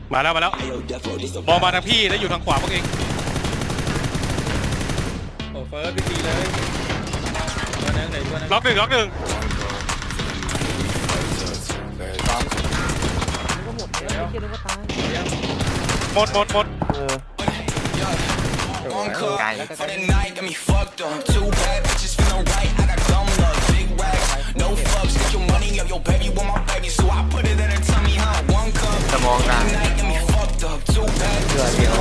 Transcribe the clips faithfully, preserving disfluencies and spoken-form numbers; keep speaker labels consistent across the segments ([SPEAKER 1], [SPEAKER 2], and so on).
[SPEAKER 1] มาแล้วมาแล้วมองมาทางพี่แล้วอยู่ทางขวาพวกเอง
[SPEAKER 2] โอ้เฟิร์สพี่ตีเลยตัวนั้นไหนตัวนั้น
[SPEAKER 1] ล็อกหนึ่งล็อกหนึ่ง
[SPEAKER 3] ก็หมดแล้วไม่คิดว่าตาย
[SPEAKER 1] หมดหมดหมด
[SPEAKER 3] เออ
[SPEAKER 2] ไกล
[SPEAKER 3] สมองได้เดือดเดียว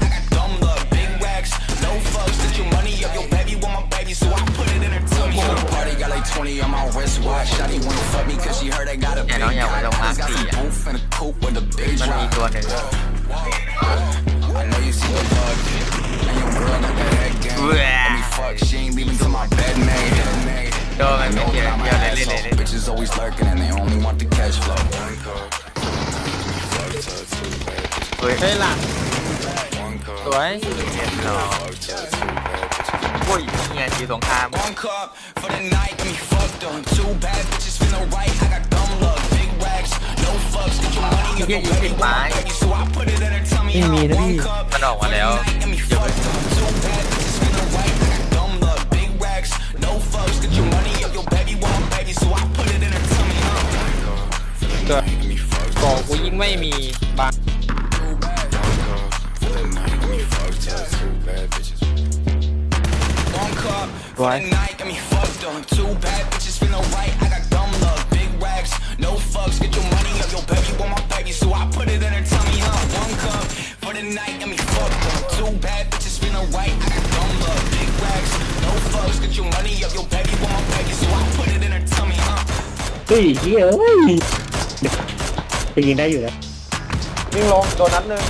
[SPEAKER 3] แต่น้องอยากไปลงมาร์คสี่อ่ะมันมีตัวหนึ่งเว้ยโดนมันไม่เกี่ยวเกี่ยวเลยเล่นเลยเล่นเฮ้ยเฮ้ยหลังสวยเห็นหรอโอ้ยเนี่ยจีสงครามที่ยืนติดไม้ไม่มีนะพี่มันออกมาแล้วเยอะตัวก่อกูยิ่งไม่มีบางไว้
[SPEAKER 4] เฮ้ยเฮ้ยเอ้ยจะยิงได้อยู่นะ
[SPEAKER 3] วิ่งลงโดนนัดหนึ่ง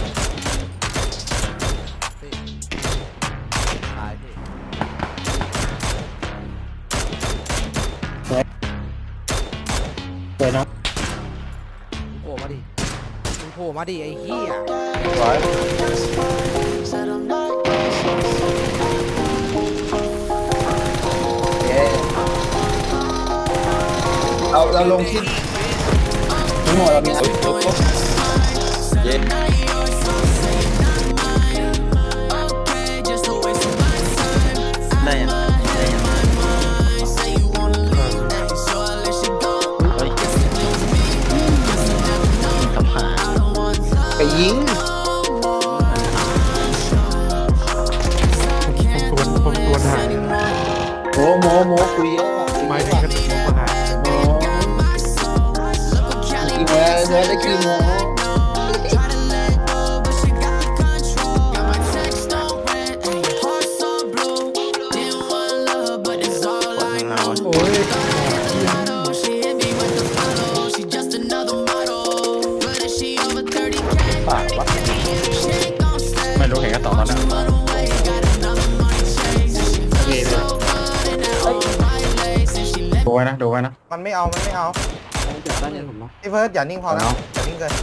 [SPEAKER 4] สวยนะ
[SPEAKER 3] โผล่มาดิมึงโผล่มาดิไอ้เหี้ย
[SPEAKER 4] สวยเราเราลงที่ทั้งหมดเรามีอะไรเย็นได้ยังได้ยังไปยิงผมชวนผมชวนหาโมโมโมคุยเยอะไม่ถึงขั้นโมมาหาโมกี่โมเนื้อได้กี่โมโอ้ยปากวะไม่รู้เห็นกันต่อตอนนั้นดูไว้นะดูไว้นะ
[SPEAKER 3] มันไม่เอามันไม่เอาพี่เฟิร์สอย่านิ่งพอนะอย่านิ่งเกิน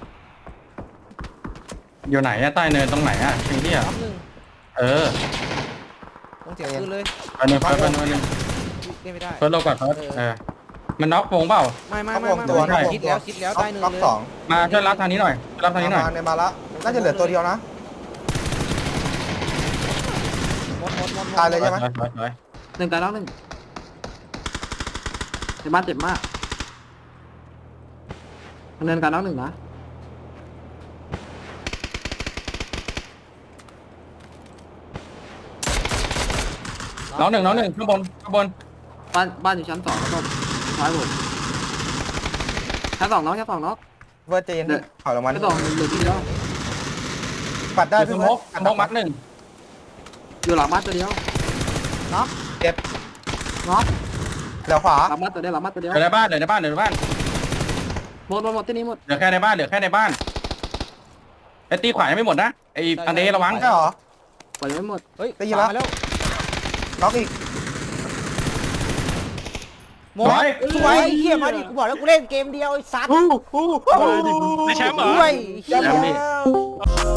[SPEAKER 4] อยู่ไหนอะใต้เนินตรงไหนอะจริงที่อะเออ
[SPEAKER 3] ต้องเสียงขึ้นเลย
[SPEAKER 4] เฟิร์สเฟิร์สเฟิร์สเฟิร์ส
[SPEAKER 3] เล่นไม่ได้
[SPEAKER 4] เฟิร์สลงก่อนเฟิร์สเออมันน็อกวงเปล่า
[SPEAKER 3] ไม่ไม่ไม่ไม่คิดแล้วคิดแล้วใต้เนินเลย
[SPEAKER 4] มาช่วยรับทางนี้หน่อยรับทางนี้หน่อย
[SPEAKER 3] ในมาละน่าจะเหลือตัวเดียวนะตายเลยใช่ไหม
[SPEAKER 5] หนึ่งตายแล้วหนึ่งในบ้านเจ็บมากเนินการน้องหนึ่งนะ
[SPEAKER 4] น้องหนึ่งน้องหนึ่งข้างบนข้างบน
[SPEAKER 5] บ้านบ้านอยู่ชั้นสองแล้วก็ซ้ายบนชั้นสองน้องชั้นสองน้อง
[SPEAKER 3] เวอร์เจนถอยลงมา
[SPEAKER 5] ชั้นสองเหลือที่เดียว
[SPEAKER 3] ปัดได้
[SPEAKER 4] พี่มกมกมัดหนึ่ง
[SPEAKER 5] อยู่หลังบ้านตัวเดียว
[SPEAKER 3] น็อกเจ็บ
[SPEAKER 5] น็อก
[SPEAKER 3] เหลือขวา
[SPEAKER 5] หลังบ้านตัวเดียวหลังบ้านตัวเดียว
[SPEAKER 4] เหลือในบ้านเหลือในบ้านเหลือในบ้าน
[SPEAKER 5] หมดหมดหมดที่นี้หมด
[SPEAKER 4] เหลือแค่ในบ้านเหลือแค่ในบ้านไอ้ตีขวายังไม่หมดนะไอ้อันเดระวัง
[SPEAKER 3] ใช่หรอ
[SPEAKER 5] ปล่อยไม่หมด
[SPEAKER 3] เฮ้ยได้ยินแล้วน็อกอีกโม้ยสวยเฮียมาดิกูบอกแล้วกูเล่นเกมเดียวไอ้สัตว์
[SPEAKER 1] ในแชมป์เหรอ
[SPEAKER 3] ด้วยเฮีย